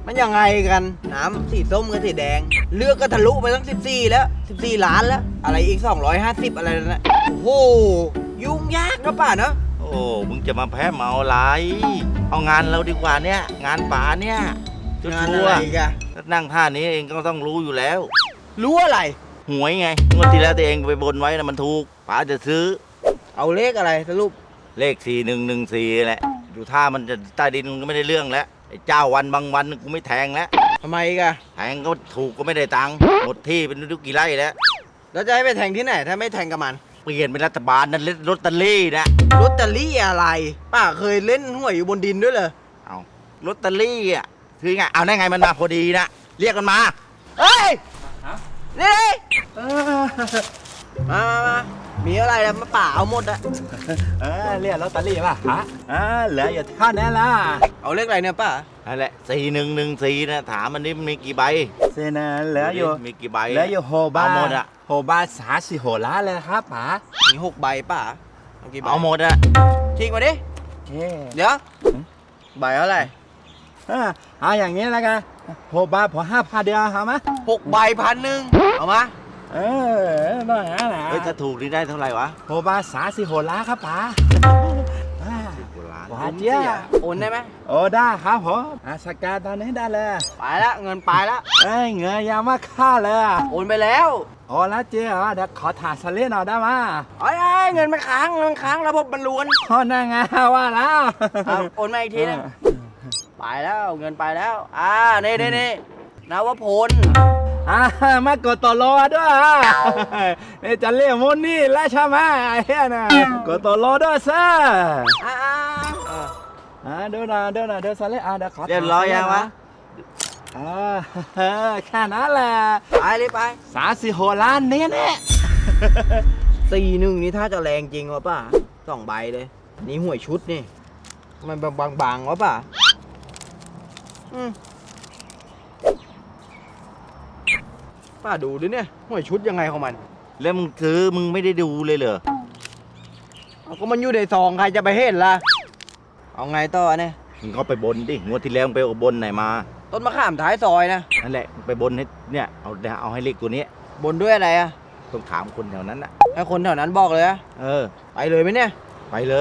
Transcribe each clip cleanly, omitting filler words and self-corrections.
มันยังไงกันน้ำสีส้มกับสีแดงเลือกก็ทะลุไปตั้ง14แล้ว14 ล้านแล้วอะไรอีก250อะไรนั่นแหละโอ้โหยุ่งยากนะป่าเนาะโอ้มึงจะมาแพ้เมาอะไรเอางานเราดีกว่าเนี่ยงานป่าเนี่ยชังานวอะไรร์กันๆถ้านั่งท่านี้เองก็ต้องรู้อยู่แล้วรู้อะไรหวยไงงวดที่แล้วตัวเองไปบนไว้นะมันถูกป๋าจะซื้อเอาเลขอะไรสรุปเลข4114แหละดูท่ามันจะใต้ดินก็ไม่ได้เรื่องแล้วไอ้เจ้าวันบางวันกูไม่แทงแล้วทำไมกันแทงก็ถูกก็ไม่ได้ตังค์หมดที่เป็นทุกกี่ไร่แล้วแล้วจะให้ไปแทงที่ไหนถ้าไม่แทงกับมันเปลี่ยนเป็นรัฐบาลนั่นลอตเตอรี่นะลอตเตอรี่อะไรป้าเคยเล่นหวยอยู่บนดินด้วยเหรอเอาลอตเตอรี่อ่ะคือไงเอาได้ไงมันมาพอดีนะเรียกมันมาเฮ้ยนี่มามีอะไรแล้วมาป่าเอาหมดอะเรียกลอตเตอรี่ป่ะฮะเหลืออยู่เท่านั้นล่ะเอาเลขอะไรเนี่ยป้านั่นแหละ4114นะถามมันนี่มันมีกี่ใบเซนะเหลืออยู่มีกี่ใบเหลืออยู่โฮบาเอาหมดอะโฮบา30 โหล้านเลยครับป๋ามี6 ใบป้าเอากี่ใบเอาหมดอะทิ้งมาดิโอเคเดี๋ยวใบเท่าไหร่เอาอย่างนี้แล้วกันโฮบาพอ5,000เดียวเอาไหม 6 ใบ1,000เอามาต้องอย่างนั้นแหละเฮ้ยถ้าถูกนี่ได้เท่าไหร่วะโฮบา30 โหล้านครับป๋า 10 กว่าล้านหวานเจี๊ยบโอนได้ไหมโอ้ได้ครับผมสแกนตอนนี้ได้เลยไปละเงินไปละเอ้ยเงยยังมาค่าเลยอะโอนไปแล้วโอ้แล้วเจ๊เหรอเดี๋ยวขอถ่ายสลิปหน่อยได้ไหมไอ้ยเงินมันค้างระบบมันล้วนโอ้นั่งไงว่าแล้วเอาโอนมาอีกทีนึงไปแล้วเงินไปแล้วนี่นวพลมากดต่อรอด้วยนี่จะเรียกมุนนี่แล้วใช่ไหมไอ้เหี้ยน่ะกดต่อรอด้วยซะ ดูหน่อยดูสลิปเดี๋ยวขอเรียบร้อยยังวะแค่นั้นแหละไปเลยไป 36 ล้านนี่แน่ 41นี่ถ้าจะแรงจริงวะป่ะ2 ใบเลย นี่หวยชุดนี่มันบางๆวะป่ะป้าดูดิเนี่ยหวยชุดยังไงของมันแล้วมึงซื้อมึงไม่ได้ดูเลยเหรอเอาก็มันอยู่ในซองใครจะไปเห็นล่ะเอาไงต่อเนี่ยมึงก็ไปบนดิงวดที่แล้วมึงไปบนไหนมาต้นมะขามท้ายซอยนะนั่นแหละไปบนให้เนี่ยเอาให้เลขตัวนี้บนด้วยอะไรอะต้องถามคนแถวนั้นนะให้คนแถวนั้นบอกเลยอะเออไปเลยไหมเนี่ยไปเลย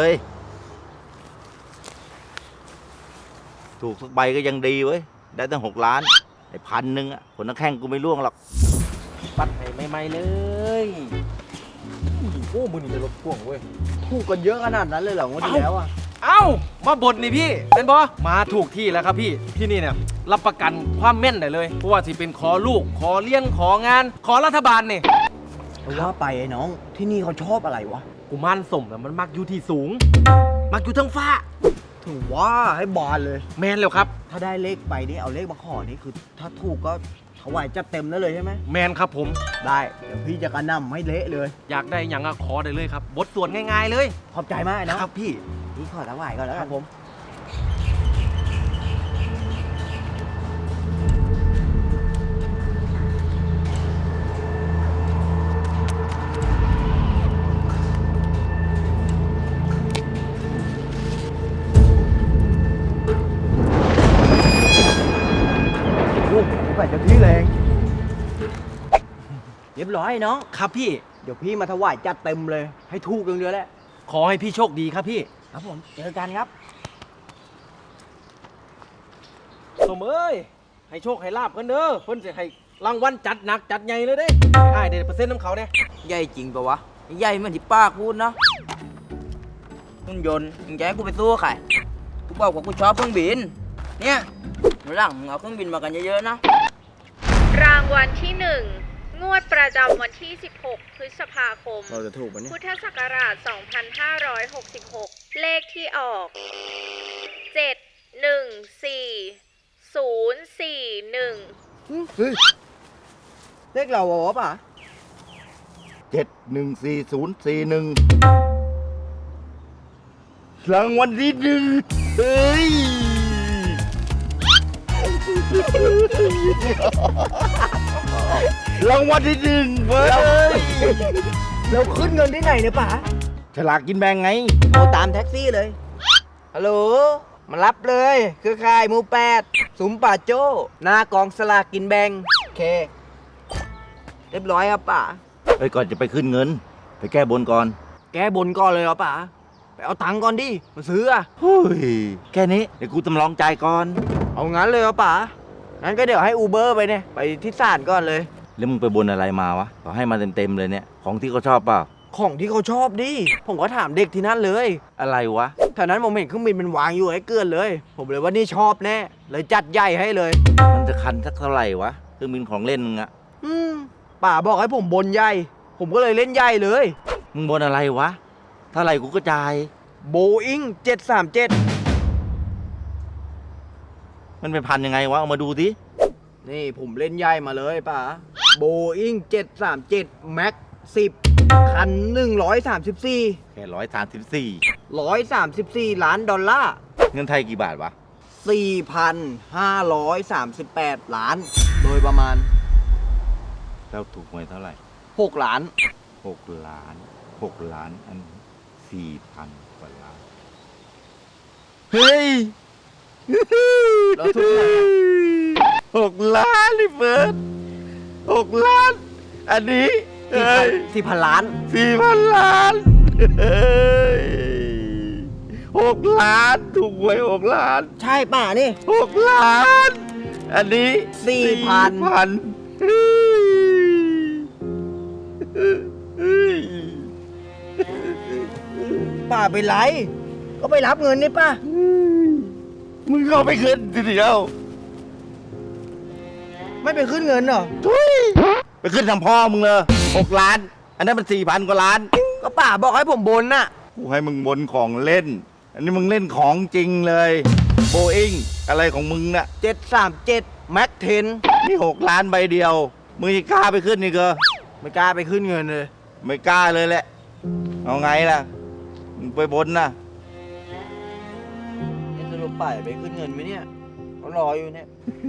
ถูกสักใบก็ยังดีเว้ยได้ตั้ง6 ล้านไอ้1,000อ่ะผลนักแข่งกูไม่ล่วงหรอกปัดให้ใหม่ๆเลยโอ้มือนี่จะรถพ่วงเว้ยถูกกันเยอะขนาดนั้นเลยเหรองวดที่แล้วอะเอ้ามาบดนี่พี่เป็นบอมาถูกที่แล้วครับพี่ที่นี่เนี่ยรับประกันความแม่นได้เลยเพราะว่าที่เป็นขอลูกขอเลี้ยงของานขอรัฐบาลนี่ว่าไปไอ้น้องที่นี่เขาชอบอะไรวะกุมารสมน่ะมันมักอยู่ที่สูง มักอยู่ทั้งฟ้าถึงว่าให้บานเลยแมนแล้วครับถ้าได้เลขไปนี่เอาเลขมาขอนี่คือ ถ้าถูกก็ถวายจัดเต็มได้เลยใช่ไหมแมนครับผมได้เดี๋ยวพี่จะกระหน่ำให้เละเลยอยากได้อย่างอะขอได้เลยครับบทสวดง่ายๆเลยขอบใจมากนะครับพี่พี่ขอถวายก่อนแล้วคกัรันบผมโอ้โหไปจะพี่แรงเรียบร้อยน้องครับพี่เดี๋ยวพี่มาถวายจัดเต็มเลย ให้ถูกอย่างเดียวแหละขอให้พี่โชคดีครับพี่ครับผมเจอกันครับสมเอ้ยให้โชคให้ลาบกันเด้อเพิ่นจะให้รางวัลจัดหนักจัดใหญ่เลยเด้ไอ้ายเดี๋ยวเปอร์เซ็นต์น้ำเขาเนี่ยใหญ่จริงปะวะใหญ่เหมือนที่ป้าพูดเนาะหุ่นยนต์มึงจะให้กูไปสู้ใครกูบอกว่ากูชอบเครื่องบิน เนี่ยวันหลังมึงเอาเครื่องบินมากันเยอะๆนะรางวัลที่ 1 งวดประจำวันที่ 16 พฤษภาคมเราจะถูกปะเนี่ยพุทธศักราช 2566 เลขที่ออก 714041 เฮ้ยเลขเราวะป่ะ 714041รางวัลที่1เฮ้ย รางวัลที่1เว้ยเราขึ้นเงินที่ไหนเนี่ยป่ะฉลากกินแบ่งไงโทรตามแท็กซี่เลยฮัลโหลมารับเลยเครือข่ายหมู่แปดสุมป่าโจ้หน้ากองสลากกินแบ่งโอเค เรียบร้อยครับป๋าไปก่อนจะไปขึ้นเงิน ไปแก้บนก่อนแกบนก่อนเลยเหรอป๋าไปเอาตังค์ก่อนดิมาซื้ออะเฮ้ยแค่นี้เดี๋ยวกูจำลองจ่ายก่อนเอางั้นเลยเหรอป๋างั้นก็เดี๋ยวให้อูเบอร์ไปเนี่ยไปที่ศาลก่อนเลยแล้วมึงไปบนอะไรมาวะเขาให้มาเต็มๆเลยเนี่ยของที่เขาชอบเปล่าของที่เขาชอบดิผมก็ถามเด็กที่นั่นเลยอะไรวะแถวนั้นผมเห็นเครื่องบินมันวางอยู่ไอ้เกลือนเลย ผมเลยว่านี่ชอบแน่เลยจัดใหญ่ให้เลยมันจะคันสักเท่าไหร่วะเครื่องบินของเล่นมึงอะป๋าบอกให้ผมบนใหญ่ ผมก็เลยเล่นใหญ่เลยมึงบนอะไรวะเท่าไหร่กูก็จ่ายโบอิง737 มันเป็นพันยังไงวะเอามาดูดินี่ผมเล่นใหญ่มาเลยป๋าโบอิง737 Max 10 คัน 134 แค่134 134 ล้านดอลลาร์เงินไทยกี่บาทวะ 4,538 ล้าน โดยประมาณแล้วถูกหวยเท่าไหร่ 6 ล้าน 6 ล้าน 6 ล้านอัน4,000 กว่าล้าน เฮ้ยแล้วทุกคน 6 ล้านนี่เฟิร์ส6 ล้าน อันนี้เฮ้ย 4,000 ล้าน 4,000 ล้านเฮ้ย6 ล้านถูกหวย6 ล้านใช่ป่ะนี่ 6 ล้าน อันนี้ 4,000 เฮ้ยป้าเป็นไร ก็ไปรับเงินนี่ป้ามึงเข้าไปขึ้นทีเดียวไม่ไปขึ้นเงินเหรอทุยไปขึ้นทางพ่อมึงเลย6 ล้าน อันนั้นมัน4,000 กว่าล้านก็ป้าบอกให้ผมบนน่ะกูให้มึงบนของเล่น อันนี้มึงเล่นของจริงเลยโบอิงอะไรของมึงน่ะ 737 Max นี่6 ล้านใบเดียว มึงจะกล้าไปขึ้นนี่เกอ 10ไม่กล้าไปขึ้นเงินเลยไม่กล้าเลยแหละ เอาไงล่ะ มึงไปบนนะนี่สรุปป้าไปขึ้นเงินไหมเนี่ยเขารออยู่เนี่ย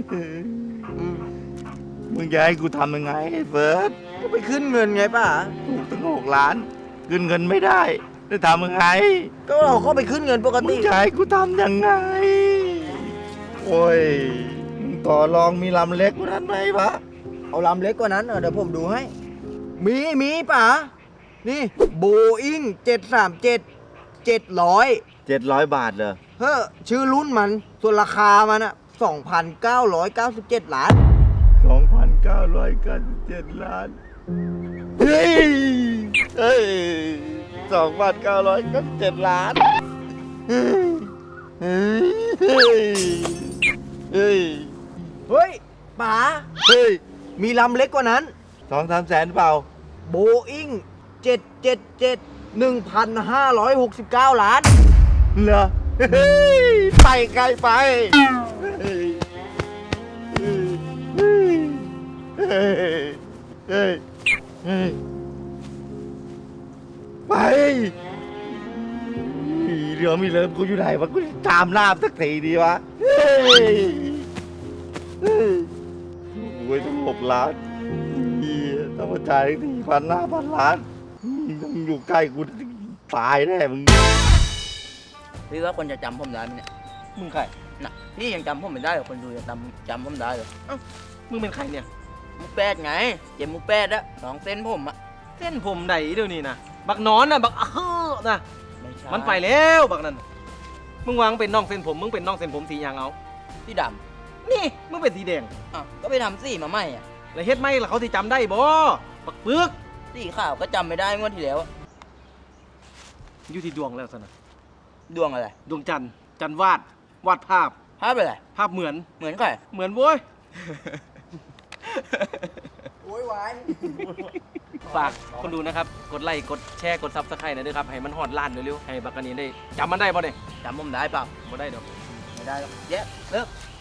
มึงจะให้กูทำยังไงไอ้เฟิร์สก็ไปขึ้นเงินไงป้าถูกตั้ง6 ล้าน ขึ้นเงินไม่ได้จะทำยังไงก็เราก็ไปขึ้นเงินปกมึติงจะให้กูทำยังไง โอ้ยมึงต่อรองมีลำเล็กกว่านั้นไหมวะเอาลำเล็กกว่านั้นเดี๋ยวผมดูให้ มีป่านี่โบอิง737 700 700 บาทเลยเฮ้อชื่อรุ่นมันส่วนราคามันอะ2,997 ล้าน 2,997 ล้าน เฮ้ย เฮ้ย 2,997 ล้าน เฮ้ย เฮ้ย เฮ้ยเฮ้ยป๋าเฮ้ยมีลำเล็กกว่านั้น 2-3 แสนเปล่าโบอิง777 1,569 ล้านเหรอ เฮ้ย ไปไกลไป เฮ้ย เฮ้ย เฮ้ย เฮ้ย เฮ้ย ไปเรือมีเลิฟกูอยู่ไหนวะกูตามน้ำสักทีดีวะ เฮ้ย เฮ้ยโอ้ยต้อง6 ล้านเหี้ยต้องมาจ่ายถึง4,000 ล้านต้องอยู่ใกล้กูตายแน่มึงพี่ว่าคนจะจำผมได้ไหมเนี่ยมึงใครน่ะพี่ยังจำผมไม่ได้เหรอคนดูจะจำผมได้เหรอมึงเป็นใครเนี่ยหมูแปดไงเจมหมูแปดอะน้องเส้นผมอะเส้นผมไหนเดี๋ยวนี้นะบักนอนน่ะบักนะไม่ใช่มันไปแล้วบักนั้นมึงวางเป็นน้องเส้นผม มึงเป็นน้องเส้นผมสีหยางเอาที่ดนี่มึงเป็นสีแดงำอ่ะก็ไปทำสีมาใหม่อะแล้วเฮ็ดไหมล่ะเขาที่จำได้บ่บักปึกสีขาวก็จำไม่ได้งวดที่แล้วอะอยู่ที่ดวงแล้วสนะดวงอะไรดวงจันทร์จันทร์วาดภาพภาพอะไรภาพเหมือนเหมือนใครเหมือนโว้ยโวยวายฝากคนดูนะครับ กดไลค์ กดแชร์ กดซับสไครต์หน่อยด้วยครับ ให้มันฮอดล้านเร็วๆ ให้บักกันนี้ได้จำมันได้บ่เนี่ยจำผมได้เปล่าบ่ได้ดอกไม่ได้หรอกเย้เลิก